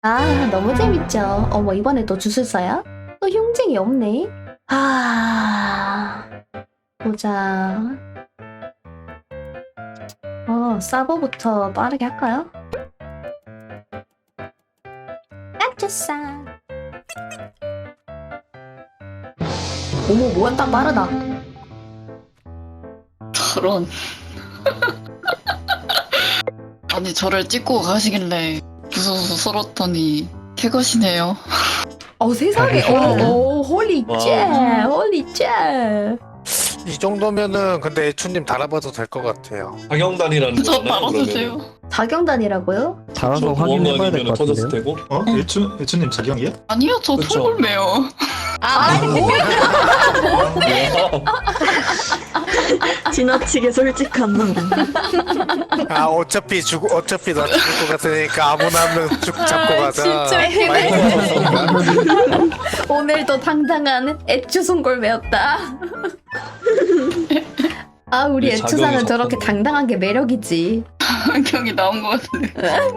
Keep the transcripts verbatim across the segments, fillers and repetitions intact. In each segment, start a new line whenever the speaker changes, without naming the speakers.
아, 너무 재밌죠. 어머, 이번에 또 주술사야? 또 흉쟁이 없네. 아, 보자. 어, 서버부터 빠르게 할까요? 액주사. 어머, 뭐야, 딱 빠르다.
저런. 아니 저를 찍고 가시길래 무서워서 썰었더니 캐것이네요.
어, 세상에. 어, 어, 홀리 째, 홀리 째.
이 정도면은 근데 애추님 달아봐도 될 것 같아요.
방영단이라는
저
거잖아요.
말아주세요.
자경단이라고요?
달아서 확인해봐야 될 것
터졌을
같은데요?
테고.
어? 애추, 애추님 자기형이야?
아니요 저
그쵸.
통골매요.
아,
지나치게 솔직한 놈.
아 어차피 죽 어차피 나 죽을 것 같으니까 아무나 한 명 쭉 잡고 가자.
진짜
마이크
오늘도 당당한 애추 손골매였다. 아, 우리
이
애추상은
자경이
저렇게
섞었네.
당당한 게 매력이지.
환경이 나온 것 같은데.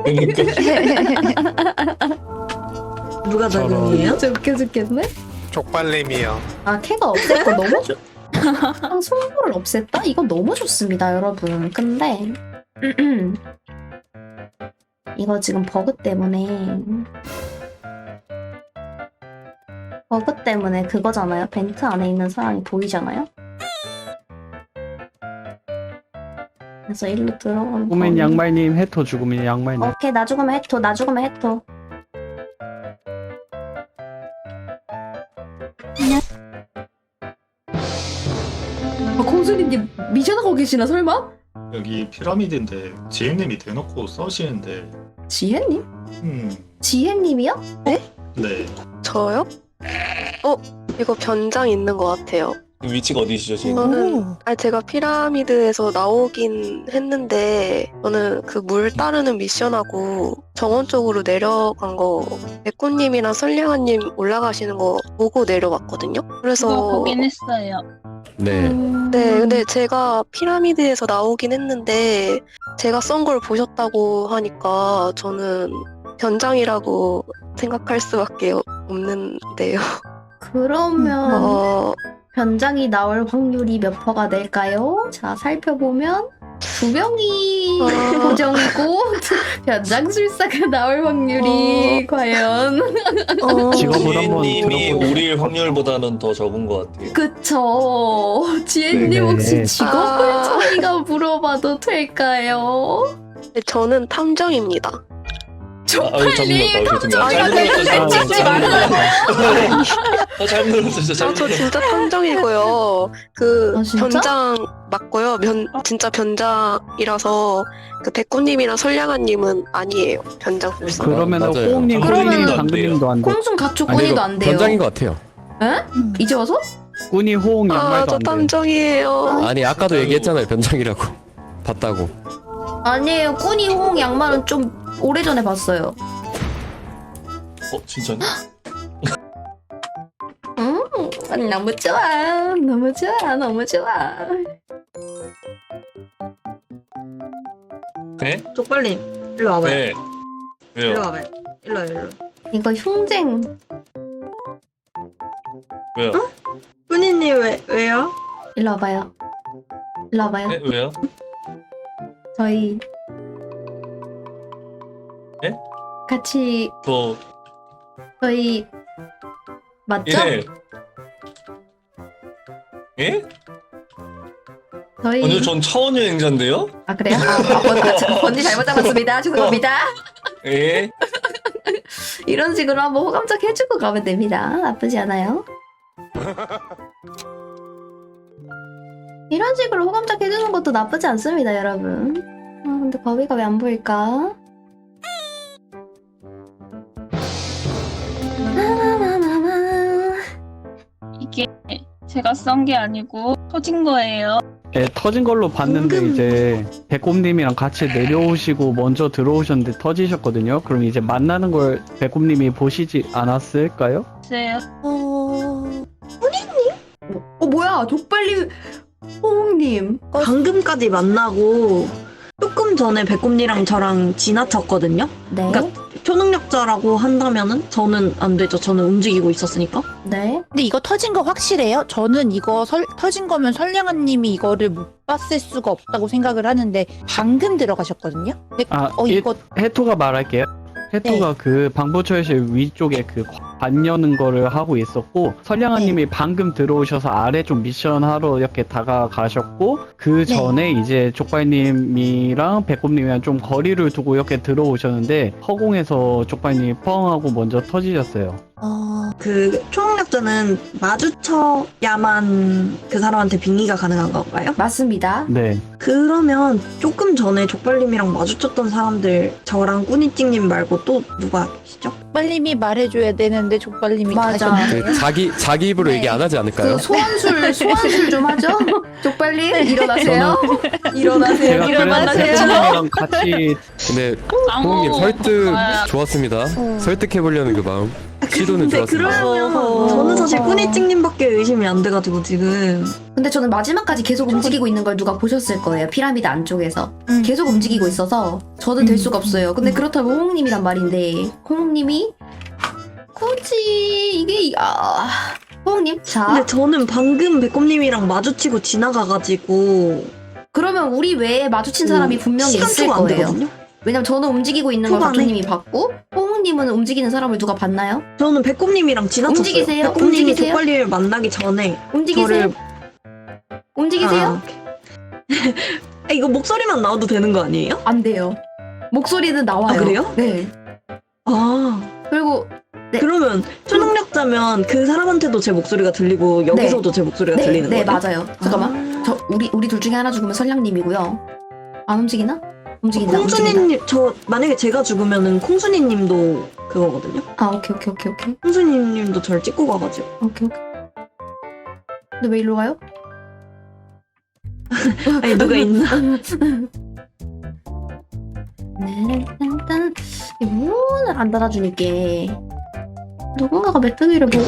그러니까
누가
저런.
자경이에요?
진짜 웃겨 죽겠네.
족발님이요.
아, 캐가 없앴고 너무 좋... 아, 손골을 없앴다? 이거 너무 좋습니다, 여러분. 근데 이거 지금 버그 때문에 버그 때문에 그거잖아요. 벤트 안에 있는 사람이 보이잖아요. 그래서 일로 들어가면
죽으면
거의-
양말님, 해토 죽으면 양말님.
오케이, 나 죽으면 해토, 나 죽으면 해토. 아, 공수님님 미션하고 계시나 설마?
여기 피라미드인데 지혜님이 대놓고 써시는데
지혜님?
음...
지혜님이요?
네.
저요? 어, 이거 변장 있는 것 같아요.
그 위치가 어디시죠 지금?
저는, 아 제가 피라미드에서 나오긴 했는데, 저는 그 물 따르는 미션하고 정원 쪽으로 내려간 거, 백구님이랑 선량아님 올라가시는 거 보고 내려왔거든요? 그래서.
그거 보긴 했어요.
네.
네, 근데 제가 피라미드에서 나오긴 했는데, 제가 썬 걸 보셨다고 하니까 저는 변장이라고 생각할 수밖에 없는데요.
그러면
어,
변장이 나올 확률이 몇 퍼가 될까요? 자, 살펴보면 두 명이
아.
고정이고 변장술사가 나올 확률이 과연
어,
직업을 한번
지혜님이
들어보세요.
오릴 확률보다는 더 적은 것 같아요.
그쵸. 지혜님
네.
혹시 직업을
아.
저희가 물어봐도 될까요?
네, 저는 탐정입니다.
아, 아유,
쪽팔리
죄송합니다.
탐정
잘못
이거
눌렀어요.
계속 찍지 말라고.
아, 잘못 눌렀어요.
아,
잘못
저
눌렀어요.
진짜 탐정이고요. 그
아, 진짜?
변장 맞고요. 변 진짜 변장이라서 그 백구님이랑 선량아님은 아니에요. 변장술사.
그러면
맞아요.
호응님,
그러면은-
꾸니님, 당근님도 안 돼.
콩순 가축
아니,
꾸니도
이거
안 돼요.
변장인 것 같아요.
에? 이제 와서?
꾸니, 호응,
아,
양말도
저
안 돼.
탐정이에요.
아니 아까도 얘기했잖아요 변장이라고. 봤다고.
아니에요. 꾸니, 호응, 양말은 좀 오래전에 봤어요.
어, 진짜네?
음, 너무 좋아. 너무 좋아. 너무 좋아.
네?
쪽발님, 일로 와봐요.
네.
일로
왜요?
와봐요. 일로 와요, 일로.
이거 흉쟁.
왜요?
꾸니님 왜, 왜요?
일로 와봐요. 일로 와봐요.
네? 왜요?
저희
네?
같이
저
저희 맞죠?
예. 예?
저희
아니요, 전 차원 여행자인데요?
아 그래요? 아, 아 번지, 번지 잘못 잡았습니다. 죄송합니다.
예.
이런 식으로 한번 호감적 해주고 가면 됩니다. 나쁘지 않아요. 이런 식으로 호감적 해주는 것도 나쁘지 않습니다, 여러분. 아 근데 거위가 왜 안 보일까? 나나나나나.
이게 제가 썬 게 아니고 터진 거예요.
예, 터진 걸로 봤는데
은근-
이제 백곰님이랑 같이 내려오시고 먼저 들어오셨는데 터지셨거든요. 그럼 이제 만나는 걸 백곰님이 보시지 않았을까요?
글쎄요.
어... 어 뭐야? 족발님 호응님.
방금까지 만나고 조금 전에 백곰니랑 저랑 지나쳤거든요.
네.
그러니까 초능력자라고 한다면은 저는 안 되죠. 저는 움직이고 있었으니까.
네.
근데 이거 터진 거 확실해요? 저는 이거 설, 터진 거면 선량한님이 이거를 못 봤을 수가 없다고 생각을 하는데 방금 들어가셨거든요? 근데
아,
어
이-
이거
해토가 말할게요. 해토가
네.
그 방부처실 위쪽에 그 관 여는 거를 하고 있었고 선량아님이 방금 들어오셔서 아래 좀 미션 하러 이렇게 다가가셨고 그
네.
전에 이제 족발님이랑 배꼽님이랑 좀 거리를 두고 이렇게 들어오셨는데 허공에서 족발님이 펑하고 먼저 터지셨어요.
어...
그 초능력자는 마주쳐야만 그 사람한테 빙의가 가능한 건가요?
맞습니다.
네.
그러면 조금 전에 족발님이랑 마주쳤던 사람들 저랑 꾸니찡님 말고 또 누가 계시죠?
족발님이 말해줘야 되는데 족발님이
맞아.
가셨는데요?
그 자기 자기 입으로
네.
얘기 안 하지 않을까요?
그 소환술 소환술 좀 하죠. 족발님 일어나세요. 일어나세요.
제가 그래서
일어나세요.
배꼽님이랑 같이
근데
아무
호웅님 설득
아,
좋았습니다. 설득해보려는 그 마음. 시도는
근데
좋았습니다.
그러면
어허.
저는 사실 꾸니찡님밖에 의심이 안 돼가지고 지금
근데 저는 마지막까지 계속 움직이고 있는 걸 누가 보셨을 거예요. 피라미드 안쪽에서
음.
계속 움직이고 있어서 저는 될
음.
수가 없어요. 근데 그렇다면 호웅님이란 말인데 호웅님이 굳이 이게 이- 아 호웅님 자
근데 저는 방금 배꼽님이랑 마주치고 지나가가지고
그러면 우리 외에 마주친 사람이 분명히
시간
있을
초가 안
거예요.
되거든요?
왜냐면 저는 움직이고 있는 걸
초반에.
박주님이 봤고 호웅님은 움직이는 사람을 누가 봤나요?
저는 배꼽님이랑 지나쳤어요.
움직이세요?
배꼽님이
움직이세요?
족발님을 만나기 전에
움직이세요?
저를
움직이세요?
아, 오케이. 아, 이거 목소리만 나와도 되는 거 아니에요?
안 돼요. 목소리는 나와요.
아, 그래요?
네.
아
그리고 네.
그러면 초능력자면 그 사람한테도 제 목소리가 들리고 여기서도 제 목소리가
네,
들리는
네
거예요?
맞아요. 잠깐만. 저 우리 우리 둘 중에 하나 죽으면 선량님이고요. 안 움직이나? 움직인다. 움직인다.
콩순이님 저 만약에 제가 죽으면은 콩순이님도 그거거든요.
아 오케이 오케이 오케이 오케이
콩순이님도 저를 찍고 가가지고
오케이 오케이. 근데 왜 일로 가요?
아니 누가 있나?
일단 문을 안 닫아주니까 누군가가 메뚜기를 보고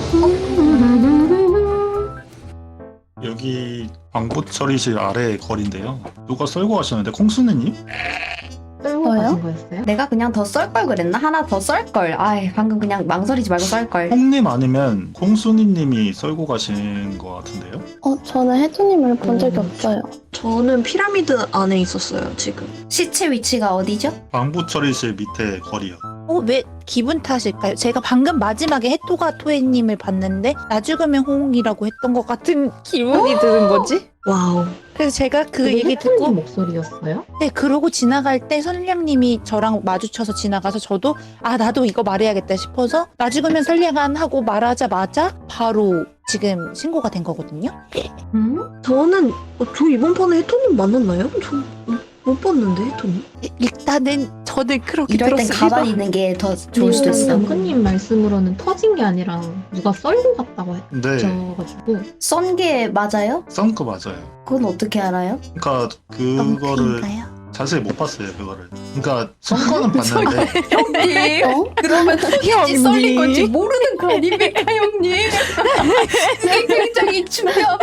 여기 방부 처리실 아래 거리인데요. 누가 썰고 가셨는데 콩순이님?
저요? 내가 그냥 더 썰 걸 그랬나? 하나 더 썰 걸. 아이 방금 그냥 망설이지 말고 썰 걸.
콩님 아니면 콩순이님이 썰고 가신 것 같은데요?
어, 저는 혜주님을 본 적이
음.
없어요.
저는 피라미드 안에 있었어요 지금.
시체 위치가 어디죠?
방부 처리실 밑에 거리요.
어, 왜 기분 탓일까요? 제가 방금 마지막에 해토가 토해님을 봤는데 나 죽으면 호응이라고 했던 것 같은 기분이 드는 거지?
와우.
그래서 제가 그 얘기 듣고
목소리였어요?
네 그러고 지나갈 때 선량님이 저랑 마주쳐서 지나가서 저도 아 나도 이거 말해야겠다 싶어서 나 죽으면 선량한 하고 말하자마자 바로 지금 신고가 된 거거든요.
음?
저는 어, 저 이번 판에 해토님 만났나요? 저 못 봤는데 해토님.
일단은 저는 그렇게
이럴 땐
들었습니다.
가만히 있는 게 더 좋을 수도 있어.
장군님 말씀으로는 터진 게 아니라 누가 썰고 갔다고
네,
했어가지고
썬 게 맞아요?
썬 거 맞아요.
그건 어떻게 알아요?
그러니까 그거를
엉클인가요?
자세히 못 봤어요, 그거를. 그러니까 썬 거는 봤는데
형님
어?
그러면
형님.
썰린 건지 모르는 거 아닙니까 형님? 이게 굉장히 중요한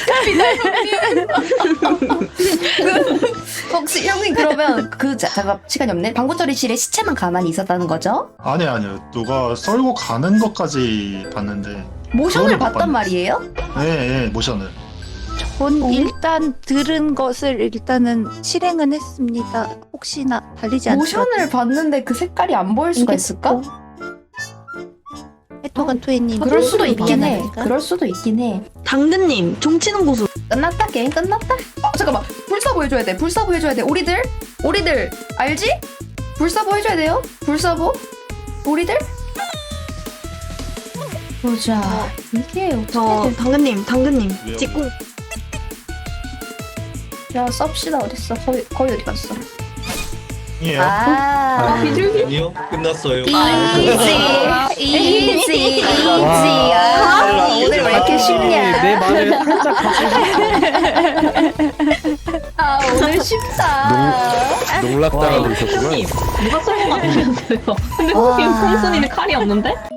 포인트입니다 형님. 그, 혹시 형님 그러면 그 자, 잠깐 시간이 없네. 방구처리실에 시체만 가만히 있었다는 거죠?
아니 아니요. 누가 썰고 가는 것까지 봤는데
모션을
그거는 못
봤단
봤네.
말이에요?
예, 예, 모션을.
전 일단 들은 것을 일단은 실행은 했습니다. 혹시나 달리지 않더라도
모션을 봤는데 그 색깔이 안 보일 수가
이게
있을까?
해토간 토해님
그럴 수도 있긴 해.
그럴
그럴 수도 있긴 해.
당근님 종치는 곳으로.
끝났다 게임 끝났다. 어 잠깐만 불사보 해줘야 돼. 불사보 해줘야 돼. 우리들 우리들 알지? 불사보 해줘야 돼요. 불사보 우리들 보자. 이게
저
어떻게
당근님 당근님
왜요?
찍고.
야 썹시다 어딨어? 거의 거의 어디 갔어?
이에요.
아
아니요, 끝났어요.
이지 이지 이지 아 오늘 왜 이렇게 쉽냐?
내 말을 살짝
아 오늘 쉽다.
농락당하고 있었구만.
누가 썰고 갔냐면서요. 근데
와.
호흡이 콩순이는 칼이 없는데?